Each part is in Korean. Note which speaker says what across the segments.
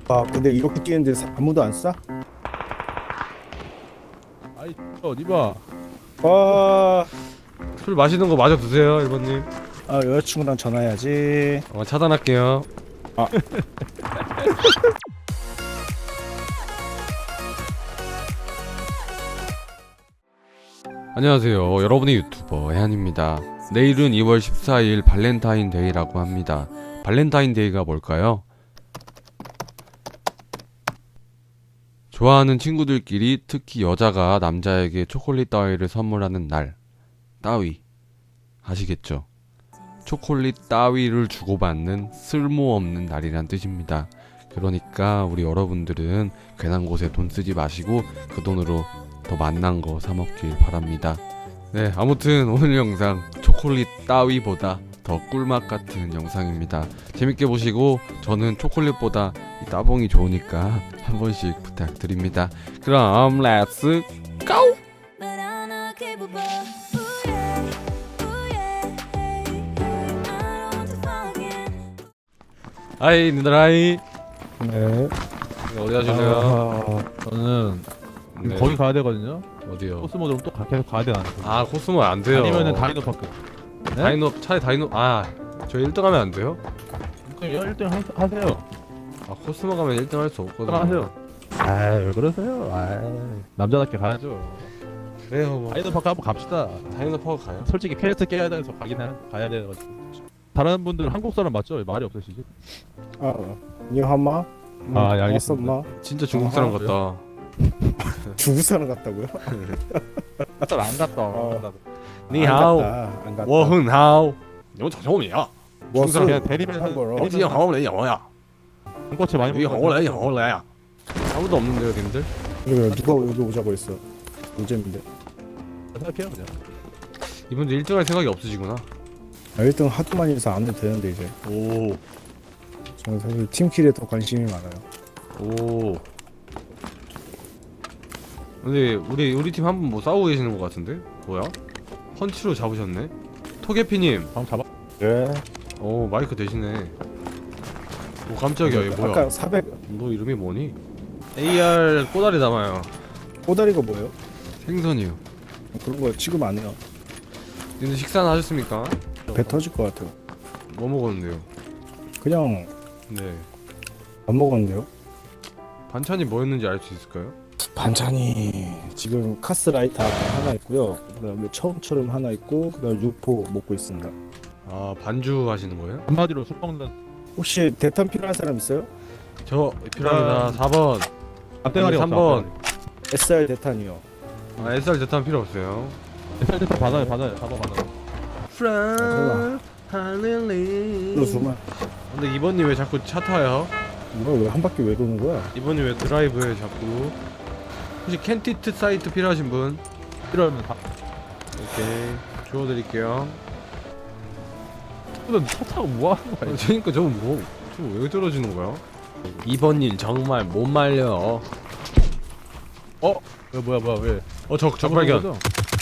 Speaker 1: 아 근데 이렇게 뛰는데 아무도 안 쏴?
Speaker 2: 아이 어디 봐.
Speaker 1: 아,
Speaker 3: 술 마시는 거 마저 드세요 1번님.
Speaker 1: 아 여자친구랑 전화해야지.
Speaker 3: 차단할게요.
Speaker 1: 아.
Speaker 3: 안녕하세요, 여러분의 유튜버 해안입니다. 내일은 2월 14일 발렌타인데이라고 합니다. 발렌타인데이가 뭘까요? 좋아하는 친구들끼리, 특히 여자가 남자에게 초콜릿 따위를 선물하는 날, 따위 아시겠죠? 초콜릿 따위를 주고받는 쓸모없는 날이란 뜻입니다. 그러니까 우리 여러분들은 괜한 곳에 돈 쓰지 마시고 그 돈으로 더 맛난 거 사 먹길 바랍니다. 네, 아무튼 오늘 영상 초콜릿 따위보다 더 꿀맛 같은 영상입니다. 재밌게 보시고 저는 초콜릿보다 이 따봉이 좋으니까 한 번씩 부탁드립니다. 그럼 렛츠 고! 하이 니들아이.
Speaker 1: 네.
Speaker 3: 어디 가실래요?
Speaker 2: 저는
Speaker 3: 네.
Speaker 2: 거기 가야 되거든요.
Speaker 3: 어디요?
Speaker 2: 코스모드로 또 계속 가야 되나?
Speaker 3: 아, 코스모 안 돼요.
Speaker 2: 아니면은 다이노파크. 네?
Speaker 3: 다이노, 차라리 다이노. 아, 저 1등 하면 안 돼요?
Speaker 2: 1등 하세요.
Speaker 3: 아, 코스모 가면 1등 할 수
Speaker 2: 1등
Speaker 3: 없거든요.
Speaker 2: 하세요. 아왜 그러세요? 아 남자답게 가야죠.
Speaker 3: 그래요, 뭐.
Speaker 2: 다이노파크 한번 갑시다.
Speaker 3: 다이노 파워 가요?
Speaker 2: 솔직히 퀘스트 깨야 돼서 가야 돼가지고. 다른 분들 한국 사람 맞죠? 말이 없으시지?
Speaker 1: 아, 니하마?
Speaker 2: 아, 예, 알겠습니다.
Speaker 1: 엄마?
Speaker 3: 진짜 중국 사람
Speaker 2: 아,
Speaker 3: 같다.
Speaker 1: 중국 사람 같다고요?
Speaker 2: 안 갔다.
Speaker 1: 안
Speaker 3: 니하오,
Speaker 1: 갔다, 안 갔다.
Speaker 3: 워흔하오. 이거 처음이야.
Speaker 1: 뭐
Speaker 3: 중국 사람
Speaker 2: 그냥 대리면
Speaker 1: 한 거로.
Speaker 3: 어디 하오래 영어야.
Speaker 2: 한꼬치 많이
Speaker 3: 이
Speaker 2: 먹고
Speaker 3: 하오래 영어야. 아무도 없는데요, 님들?
Speaker 1: 그래, 누가 여기 오자고 했어? 노잼인데.
Speaker 2: 생각해요 그냥.
Speaker 3: 이분들 1등 할 생각이 없으시구나.
Speaker 1: 아, 1등 하도 많이 해서 안 해도 되는데 이제.
Speaker 3: 오,
Speaker 1: 저는 사실 팀킬에 더 관심이 많아요.
Speaker 3: 오. 근데 우리 팀 한 분 뭐 싸우고 계시는 것 같은데? 뭐야? 펀치로 잡으셨네? 토게피님.
Speaker 2: 한번 잡아.
Speaker 1: 그래.
Speaker 3: 오, 마이크 대신에. 오, 깜짝이야. 이거 뭐야?
Speaker 1: 아까 400
Speaker 3: 너 이름이 뭐니? AR 꼬다리 담아요.
Speaker 1: 꼬다리가 뭐예요?
Speaker 3: 생선이요.
Speaker 1: 그런 거 취급 안 해요.
Speaker 3: 근데 식사는 하셨습니까?
Speaker 1: 배 터질 것 같아요.
Speaker 3: 뭐 먹었는데요?
Speaker 1: 그냥
Speaker 3: 네.
Speaker 1: 안 먹었는데요?
Speaker 3: 반찬이 뭐였는지 알 수 있을까요?
Speaker 1: 반찬이 지금 카스라이터 하나 있고요. 그다음에 처음처럼 하나 있고 그다음 육포 먹고 있습니다.
Speaker 3: 아, 반주 하시는 거예요?
Speaker 2: 한마디로 술 먹는
Speaker 1: 혹시 대탄 필요한 사람 있어요?
Speaker 3: 저 필요합니다. 4번.
Speaker 2: 앞대가리
Speaker 3: 3번.
Speaker 1: SR 대탄이요.
Speaker 3: 아, SR 대탄 필요 없어요.
Speaker 2: SRT 받아요. 잡아.
Speaker 1: 설마.
Speaker 3: 하늘리.
Speaker 1: 이거 주마.
Speaker 3: 근데 이번님 왜 자꾸 차 타요?
Speaker 1: 이거 왜 한 바퀴 왜 도는 거야?
Speaker 3: 이번님 왜 드라이브에 자꾸? 혹시 캔티트 사이트 필요하신 분?
Speaker 2: 필요하면 다.
Speaker 3: 오케이, 주워드릴게요.
Speaker 2: 근데 차 타고 뭐 하는 거야?
Speaker 3: 그러니까 저왜 저러시는 거야? 이번님 정말 못 말려.
Speaker 2: 왜 뭐야 왜?
Speaker 3: 적발견.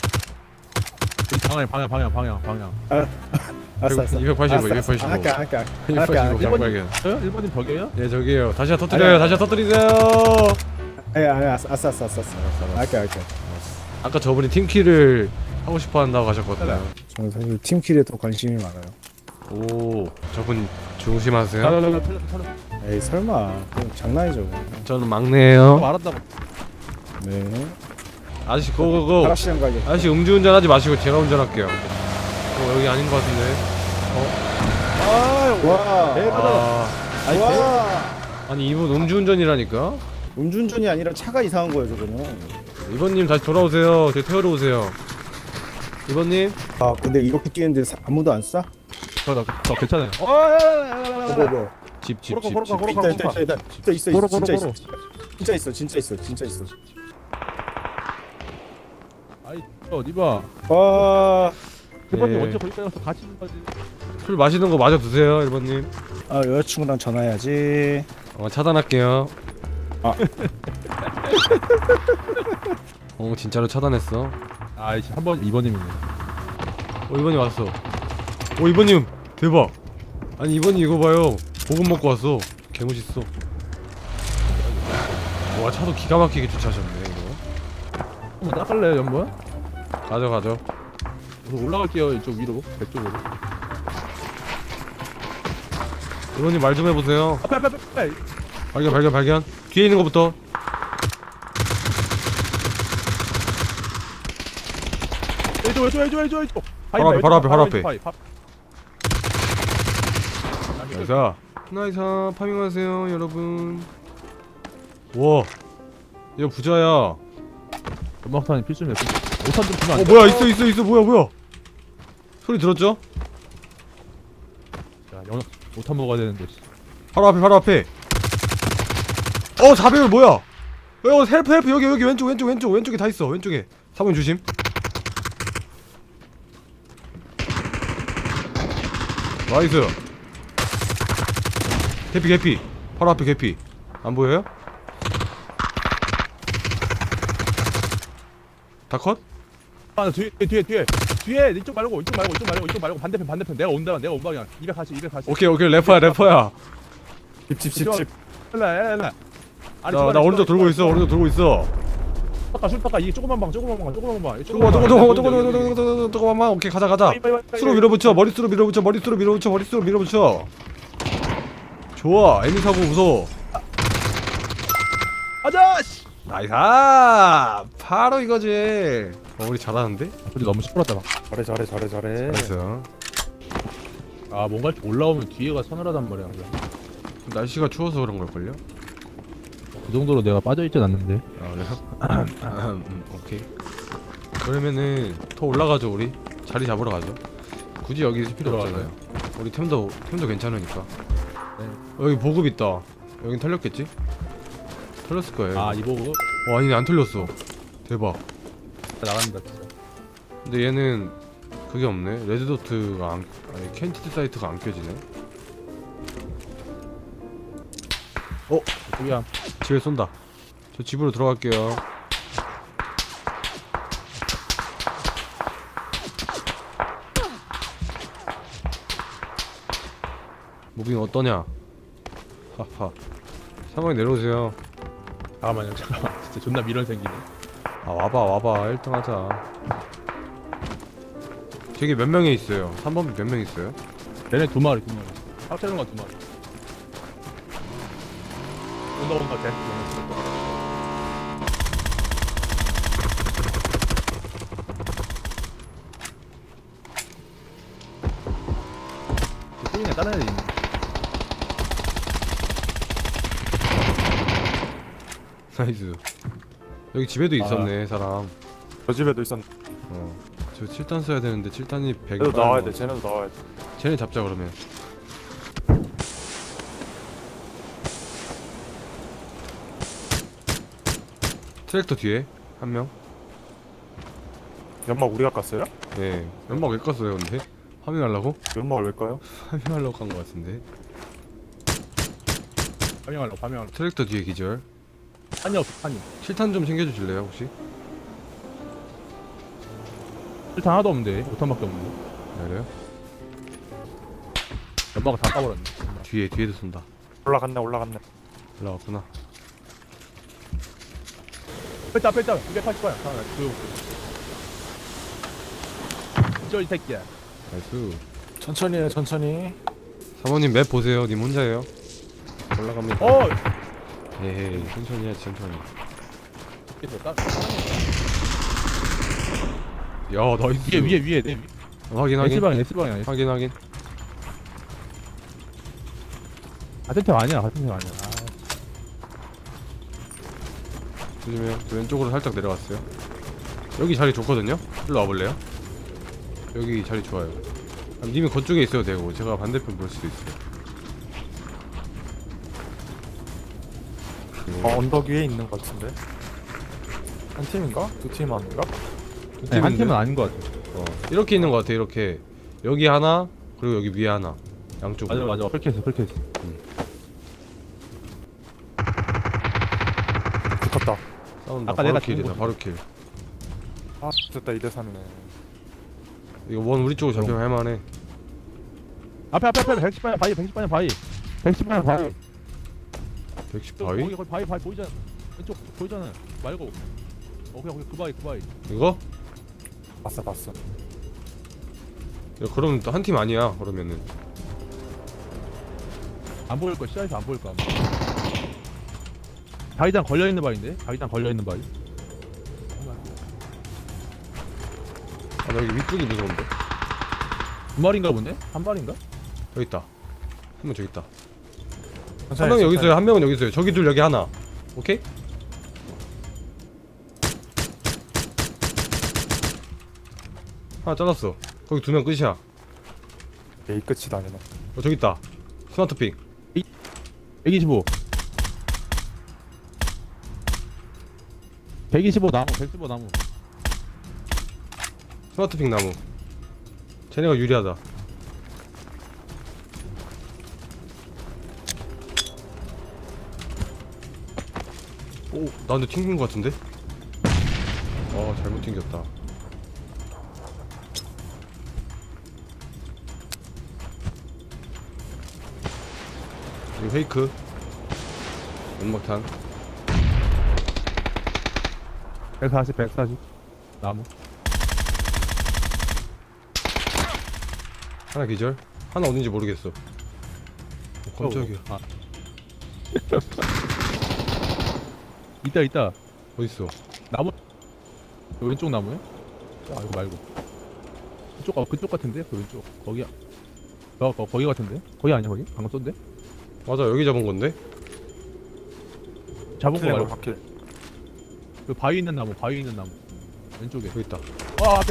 Speaker 2: 방향.
Speaker 1: 알았어.
Speaker 3: 285, 285.
Speaker 1: 아까
Speaker 3: 285 적발견.
Speaker 2: 저요? 1번님 벽이에요?
Speaker 3: 예, 저기요. 다시 터뜨려요. 다시 터뜨리세요.
Speaker 1: 알았어. 아까
Speaker 3: 아까 저분이 팀키를 하고 싶어 한다고 하셨거든요.
Speaker 1: 저는 사실 팀킬에 더 관심이 많아요.
Speaker 3: 오, 저분 조심하세요.
Speaker 1: 에이 설마 그럼 장난이죠.
Speaker 3: 저는 막내예요.
Speaker 2: 말한다고.
Speaker 1: 네.
Speaker 3: 아저씨 고고고.
Speaker 1: 하락시장 가게.
Speaker 3: 아저씨 음주운전하지 마시고 제가 운전할게요. 여기 아닌 것 같은데.
Speaker 1: 와. 와.
Speaker 3: 아니 이분 음주운전이라니까.
Speaker 1: 음주운전이 아니라 차가 이상한 거예요 저거는.
Speaker 3: 이번님 다시 돌아오세요. 제 태우러 오세요. 이번님.
Speaker 1: 아 근데 이렇게 뛰는데 아무도 안 쏴?
Speaker 2: 저 괜찮아요.
Speaker 1: 뭐.
Speaker 3: 집.
Speaker 1: 있다 있어. 진짜 있어.
Speaker 2: 아이 어디 봐.
Speaker 1: 와.
Speaker 2: 1번님
Speaker 3: 네.
Speaker 2: 언제 거기까지 가서 같이 있는 거지?
Speaker 3: 술 마시는 거 마저 드세요, 1번님.
Speaker 1: 아 여자친구랑 전화해야지.
Speaker 3: 차단할게요.
Speaker 1: 아.
Speaker 3: 진짜로 차단했어.
Speaker 2: 아이씨 2번님이네.
Speaker 3: 2번님 왔어. 2번님 대박. 아니 2번님 이거 봐요. 볶음 먹고 왔어. 개멋있어. 와 차도 기가 막히게 주차하셨네 이거.
Speaker 2: 한번 닦을래요 연번?
Speaker 3: 가져.
Speaker 2: 그래서 올라갈게요 이쪽 위로 배 쪽으로.
Speaker 3: 의원님 말 좀 해보세요.
Speaker 2: 앞에.
Speaker 3: 발견. 뒤에 있는 거부터.
Speaker 2: 왼쪽.
Speaker 3: 바로 앞에.
Speaker 2: 바위.
Speaker 3: 나이스 파밍하세요 여러분. 와 얘 부자야.
Speaker 2: 연막탄이 필수네. 오탄 좀 주면 안 돼?
Speaker 3: 뭐야 있어 뭐야 소리 들었죠?
Speaker 2: 야, 오탄 먹어야 되는데.
Speaker 3: 바로 앞에. 4배율 뭐야? 헬프 여기 왼쪽에 다 있어. 왼쪽에 사모님 조심. 나이스. 개피 바로 앞에 개피. 안 보여요? 다 컷?
Speaker 2: 아, 뒤에 이쪽 말고 반대편 내가 온다 내가 온 방향 240
Speaker 3: 오케이 래퍼야.
Speaker 1: 집.
Speaker 2: 일라
Speaker 3: 나 오른쪽 돌고 있어.
Speaker 2: 슈퍼카 이게 조그만 방
Speaker 3: 조금만 오케이 가자. 수로 밀어붙여 머릿수로 밀어붙여. 좋아 애미 사고 무서워.
Speaker 2: 아자씨
Speaker 3: 나이스 바로 이거지. 우리 잘하는데?
Speaker 2: 근데 너무 시끄럽다 막.
Speaker 1: 잘해.
Speaker 3: 나이스.
Speaker 2: 아 뭔가 이렇게 올라오면 뒤에가 서늘하단 말이야.
Speaker 3: 날씨가 추워서 그런 걸걸요?
Speaker 2: 그 정도로 내가 빠져있진 않는데.
Speaker 3: 아 그래요? 오케이. 그러면은 더 올라가죠 우리. 자리 잡으러 가죠. 굳이 여기 있을 필요 없잖아요. 우리 템도 괜찮으니까.
Speaker 2: 네.
Speaker 3: 여기 보급 있다. 여긴 털렸겠지? 털렸을 거예요.
Speaker 2: 아 이보고
Speaker 3: 아니 안 털렸어. 대박.
Speaker 2: 나간다 진짜.
Speaker 3: 근데 얘는 그게 없네. 레드도트가 아니 캔티드 사이트가 안 껴지네.
Speaker 2: 저기야.
Speaker 3: 집에 쏜다. 저 집으로 들어갈게요. 무빙 어떠냐? 하하. 상황이 내려오세요.
Speaker 2: 잠깐만. 진짜 존나 미련 생기네.
Speaker 3: 아 와봐 1등 하자. 저기 몇 명이 있어요? 3번 몇 명 있어요?
Speaker 2: 얘네 두 마리. 합치는 거두 마리. 온다 쟤. 소리네 다른 애들 있네.
Speaker 3: 나이스. 여기 집에도 있었네 사람.
Speaker 1: 저 집에도 있었.
Speaker 3: 저 7단 써야 되는데 7단이 100이
Speaker 1: 쟤네도 나와야 돼.
Speaker 3: 쟤네 잡자 그러면. 트랙터 뒤에 한 명.
Speaker 1: 연막 우리가 깠어요?
Speaker 3: 예. 연막 왜 껐어요 근데? 파밍하려고?
Speaker 1: 연막을 왜 까요?
Speaker 3: 파밍하려고 간 것 같은데.
Speaker 2: 파밍하려고.
Speaker 3: 트랙터 뒤에 기절.
Speaker 2: 판이 없어 판이.
Speaker 3: 7탄 좀 챙겨주실래요 혹시?
Speaker 2: 일단 하나도 없는데 5탄밖에 없는데.
Speaker 3: 그래요?
Speaker 2: 연막을 다 까버렸네.
Speaker 3: 뒤에도 쏜다.
Speaker 1: 올라갔네.
Speaker 3: 올라왔구나.
Speaker 2: 뺐다 280거야. 하나 조용히. 이 새끼야.
Speaker 3: 나이스.
Speaker 1: 천천히.
Speaker 3: 사모님 맵 보세요. 님 혼자예요. 올라갑니다. 에헤이 천천히 해야지 천천히. 야 나이스.
Speaker 2: 위에 내
Speaker 3: 확인
Speaker 2: S방이야.
Speaker 3: 확인.
Speaker 2: 같은 팀 아니야.
Speaker 3: 조심해요. 저 왼쪽으로 살짝 내려갔어요. 여기 자리 좋거든요. 일로 와볼래요? 여기 자리 좋아요. 님이 그쪽에 있어도 되고 제가 반대편 볼 수도 있어요.
Speaker 1: 언덕 위에 있는 것 같은데. 한 팀인가? 두 팀 아닌가?
Speaker 2: 네, 한 팀은 아닌 것 같아.
Speaker 3: 이렇게 있는 것 같아. 이렇게 여기 하나 그리고 여기 위에 하나 양쪽으로.
Speaker 2: 맞아. 그렇게 했어.
Speaker 1: 붙었다.
Speaker 3: 싸운다.
Speaker 2: 아까
Speaker 3: 바로
Speaker 2: 내가
Speaker 3: 킬이다.
Speaker 2: 죽은
Speaker 3: 바로 킬.
Speaker 1: 아 됐다 2대3이네.
Speaker 3: 이거 원 우리 쪽으로 잡히면 할만해.
Speaker 2: 앞에 110방향 바위. 110방향 바위.
Speaker 3: 110 바위?
Speaker 2: 거기 바위 보이잖아. 왼쪽 보이잖아. 말고. 그냥 그 바위.
Speaker 3: 이거?
Speaker 1: 봤어.
Speaker 3: 야, 그럼 또 한 팀 아니야 그러면은.
Speaker 2: 안 보일 거 시야에서 안 보일 거 아마. 바위장 걸려 있는 바위인데? 바위장 걸려 있는 바위.
Speaker 3: 아 나 여기 위쪽이 무서운데.
Speaker 2: 두 마리인가 본데? 한 마리인가?
Speaker 3: 여기 있다. 한 명 저기 있다. 한 명은 여기 있어요. 한 명은 여기 있어요. 저기 둘 여기 하나. 오케이? 하나 잘랐어. 거기 두 명 끝이야.
Speaker 1: 에이 끝이다 아니나.
Speaker 3: 저기 있다. 스마트핑.
Speaker 2: 125. 125 나무, 115 나무.
Speaker 3: 스마트핑 나무. 쟤네가 유리하다. 오, 나한테 튕긴 것 같은데? 잘못 튕겼다. 이거 페이크. 연막탄.
Speaker 2: 140 나무.
Speaker 3: 하나 기절. 하나 어딘지 모르겠어. 깜짝이야.
Speaker 2: 아. 있다.
Speaker 3: 어딨어?
Speaker 2: 나무. 왼쪽 나무야? 아 이거 말고. 그쪽 같은데? 그 왼쪽. 거기야. 거기 같은데? 거기 아니야 거기? 방금 쏜데?
Speaker 3: 맞아, 여기 잡은 건데?
Speaker 2: 잡은 거 말고.
Speaker 1: 바퀴.
Speaker 2: 그 바위 있는 나무. 왼쪽에.
Speaker 3: 여기 있다.
Speaker 2: 앞에.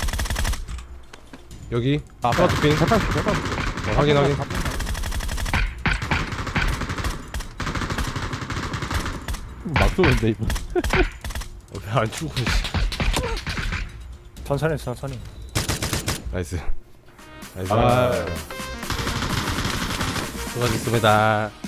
Speaker 3: 여기.
Speaker 2: 아,
Speaker 3: 스마트핑. 확인.
Speaker 2: 막 쏘는데 이분.
Speaker 3: 왜안 죽어?
Speaker 1: 천천히.
Speaker 3: 나이스.
Speaker 2: 아.
Speaker 3: 수고하셨습니다.